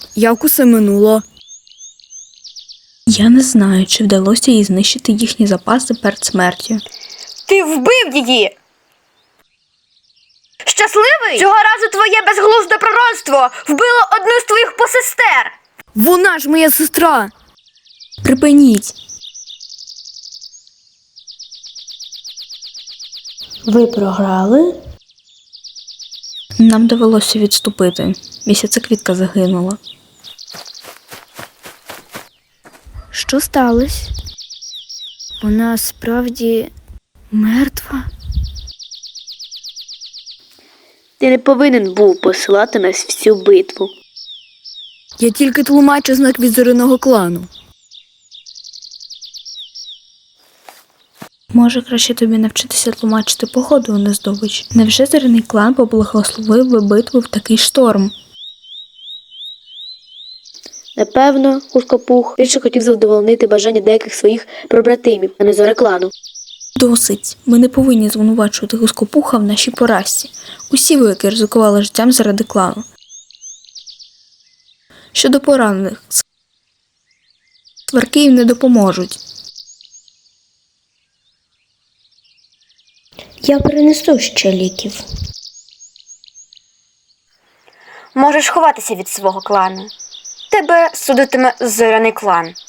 Як усе минуло? Я не знаю, чи вдалося їй знищити їхні запаси перед смертю. Ти вбив її! Щасливий? Цього разу твоє безглузде пророцтво вбило одну з твоїх посестер! Вона ж моя сестра! Припиніть! Ви програли? Нам довелося відступити. Місяцеквітка загинула. Що сталося? Вона справді мертва? Ти не повинен був посилати нас в цю битву. Я тільки тлумачу знак від зоряного клану. Може, краще тобі навчитися тлумачити погоду, а не здобич? Невже зоряний клан поблагословив би битву в такий шторм? Напевно, Кускопух більше хотів задовольнити бажання деяких своїх побратимів, а не Зореклану. Досить. Ми не повинні звинувачувати Гускопуха в нашій поразці. Усі вояки ризикували життям заради клану. Щодо поранених, сварки їм не допоможуть. Я принесу ще ліків. Можеш ховатися від свого клану. Тебе судитиме зоряний клан.